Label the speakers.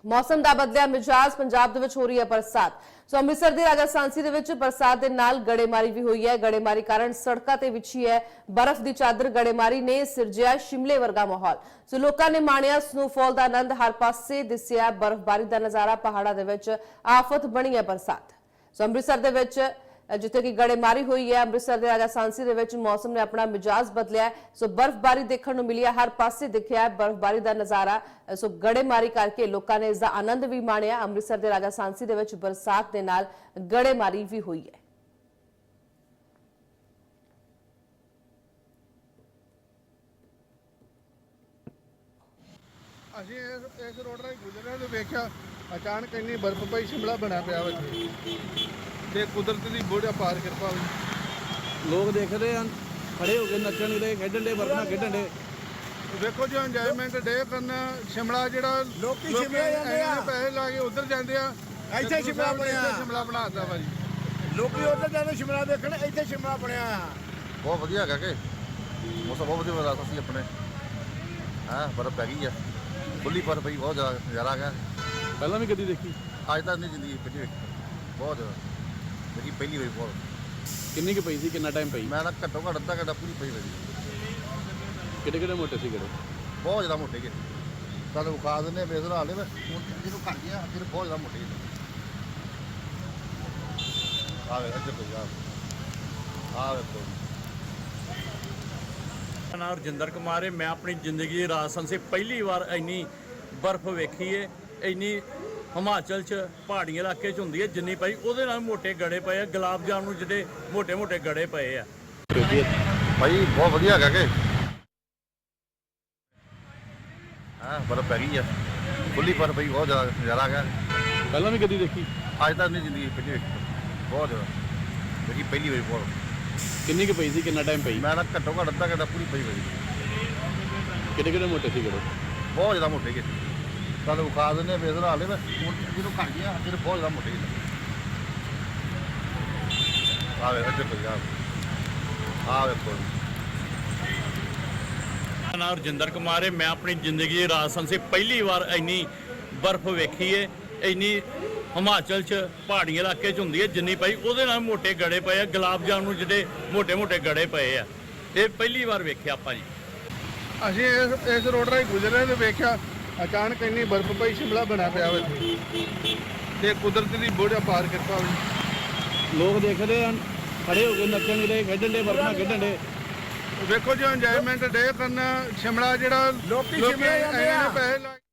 Speaker 1: मौसम का बदलिया मिजाज पंजाब दे विच हो रही है बरसात। सो अमृतसर के राजा सांसी दे विच बरसात के नाल गड़ेमारी भी हुई है। गड़ेमारी कारण सड़कों ते विछी है बर्फ की चादर। गड़ेमारी ने सिरजिया शिमले वर्गा माहौल। सो लोगों ने माणिया स्नोफॉल का आनंद। हर पासे दिसिया बर्फबारी का नजारा। पहाड़ों के विच आफत बनी है बरसात। सो अमृतसर के विच जिथे कि गड़ेमारी हुई है, अमृतसर के राजा सांसी दे विच मौसम ने अपना मिजाज बदलिया है। सो बर्फबारी देखने को मिली है, हर पासे दिखिया है बर्फबारी का नजारा। सो गड़ेमारी करके लोगों ने इसका आनंद भी माणिया। अमृतसर के राजा सांसी दे विच बरसात के नाल गड़ेमारी भी हुई है।
Speaker 2: ਅਸੀਂ ਇਸ ਰੋਡ ਰਾਹੀਂ ਗੁਜ਼ਰ ਰਹੇ ਤੇ ਵੇਖਿਆ ਅਚਾਨਕ ਇੰਨੀ ਬਰਫ਼ ਪਈ, ਸ਼ਿਮਲਾ ਬਣਾ ਪਿਆ ਵਾ ਇੱਥੇ ਤੇ ਕੁਦਰਤ ਦੀ ਬੋੜਾ ਪਾਰ ਕਿਰਪਾ ਹੋਈ।
Speaker 3: ਲੋਕ ਦੇਖ ਰਹੇ ਹਨ, ਖੜੇ ਹੋ ਕੇ ਨੱਚਣ ਦੇ, ਖੇਡਣ ਦੇ, ਬਰਫਾਂ ਖੇਡਣ ਦੇ।
Speaker 2: ਵੇਖੋ ਜੋ ਇੰਜੋਇਮੈਂਟ ਡੇ ਕਰਨਾ। ਸ਼ਿਮਲਾ ਜਿਹੜਾ
Speaker 4: ਲੋਕੀ ਸ਼ਿਮਲਾ ਜਾਂਦੇ ਆ,
Speaker 2: ਪੈਸੇ ਲਾ ਕੇ ਉਧਰ ਜਾਂਦੇ ਆ।
Speaker 4: ਇੱਥੇ ਸ਼ਿਮਲਾ ਬਣਿਆ,
Speaker 2: ਸ਼ਿਮਲਾ ਬਣਾਤਾ ਵਾ ਜੀ।
Speaker 4: ਲੋਕੀ ਉਧਰ ਜਾਂਦੇ ਸ਼ਿਮਲਾ ਦੇਖਣ, ਇੱਥੇ ਸ਼ਿਮਲਾ ਬਣਿਆ ਆ।
Speaker 5: बहुत वधिया है कि मौसम बहुत वधिया बता सी अपने। हाँ बर्फ पै गई है, खुली बर्फ पई, बहुत ज़्यादा नज़ारा आ गया।
Speaker 3: ਪਹਿਲਾਂ ਵੀ ਕਦੀ ਦੇਖੀ?
Speaker 5: अज तक नहीं जिंदगी पहली वेखी, बहुत ज़्यादा देखी पहली बारी। बहुत
Speaker 3: ਕਿੰਨੀ ਕੁ ਪਈ ਸੀ, ਕਿੰਨਾ ਟਾਈਮ ਪਈ?
Speaker 5: मैं घट्टो घट्ट अद्धा घंटा पूरी पई रही।
Speaker 3: ਕਿਹੜੇ ਕਿਹੜੇ ਮੋਟੇ ਸੀ ਕਿਹੜੇ?
Speaker 5: बहुत ज़्यादा मोटे गे तुम विखा दें बेसर हाल है। जो घट गया फिर बहुत ज़्यादा मोटे अज्जर कोई आ देखो।
Speaker 6: मेरा नाम रजिंदर कुमार है। मैं अपनी जिंदगी राजस्थान से पहली बार इन्नी बर्फ वेखी है। इन्नी हिमाचल च पहाड़ी इलाके च होंदी है जिन्नी पई, ਉਹਦੇ ਨਾਲ मोटे गड़े पे है। गुलाब जामुन जिहड़े मोटे मोटे गड़े पे है
Speaker 5: भाई बहुत वधिया है कि हाँ बर्फ पै गई है, खुली बर्फ पई, बहुत ज़्यादा नज़ारा आ गया।
Speaker 3: ਪਹਿਲਾਂ ਵੀ ਕਦੀ ਦੇਖੀ?
Speaker 5: अज तक नहीं जिंदगी पहली वेखी, बहुत ज़्यादा देखी पहली बारी। बहुत
Speaker 3: ਕਿੰਨੀ ਕੁ ਪਈ ਸੀ, ਕਿੰਨਾ ਟਾਈਮ ਪਈ?
Speaker 5: मैं घट्टो घट्ट अद्धा घंटा पूरी पई रही।
Speaker 3: ਕਿਹੜੇ ਕਿਹੜੇ ਮੋਟੇ ਸੀ ਕਿਹੜੇ?
Speaker 5: बहुत ज़्यादा मोटे गे तुम विखा दें बेसर हाल है। जो घट गया फिर बहुत ज़्यादा मोटे अज्जर कोई आ देखो।
Speaker 6: मेरा नाम रजिंदर कुमार है। मैं अपनी जिंदगी राजस्थान से पहली बार इन्नी बर्फ वेखी है। इन्नी हिमाचल च पहाड़ी इलाके च होंदी है जिन्नी पई, ਉਹਦੇ ਨਾਲ मोटे गड़े पे है। गुलाब जामुन जिहड़े मोटे मोटे गड़े पे है। ये पहली बार वेखिया आपां जी।
Speaker 2: ਅਸੀਂ ਇਸ ਰੋਡ ਰਾਹੀਂ ਗੁਜ਼ਰ ਰਹੇ ਤੇ ਵੇਖਿਆ ਅਚਾਨਕ ਇੰਨੀ ਬਰਫ਼ ਪਈ, ਸ਼ਿਮਲਾ ਬਣਾ ਪਿਆ ਵਾ ਇੱਥੇ ਤੇ ਕੁਦਰਤ ਦੀ ਬੋੜਾ ਪਾਰ ਕਿਰਪਾ ਹੋਈ।
Speaker 3: ਲੋਕ ਦੇਖ ਰਹੇ ਹਨ, ਖੜੇ ਹੋ ਕੇ ਨੱਚਣ ਦੇ, ਖੇਡਣ ਦੇ, ਬਰਫਾਂ ਖੇਡਣ ਦੇ।
Speaker 2: ਵੇਖੋ ਜੋ ਇੰਜੋਇਮੈਂਟ ਡੇ ਕਰਨਾ। ਸ਼ਿਮਲਾ ਜਿਹੜਾ
Speaker 4: ਲੋਕੀ ਸ਼ਿਮਲਾ ਜਾਂਦੇ ਆ,
Speaker 2: ਪੈਸੇ ਲਾ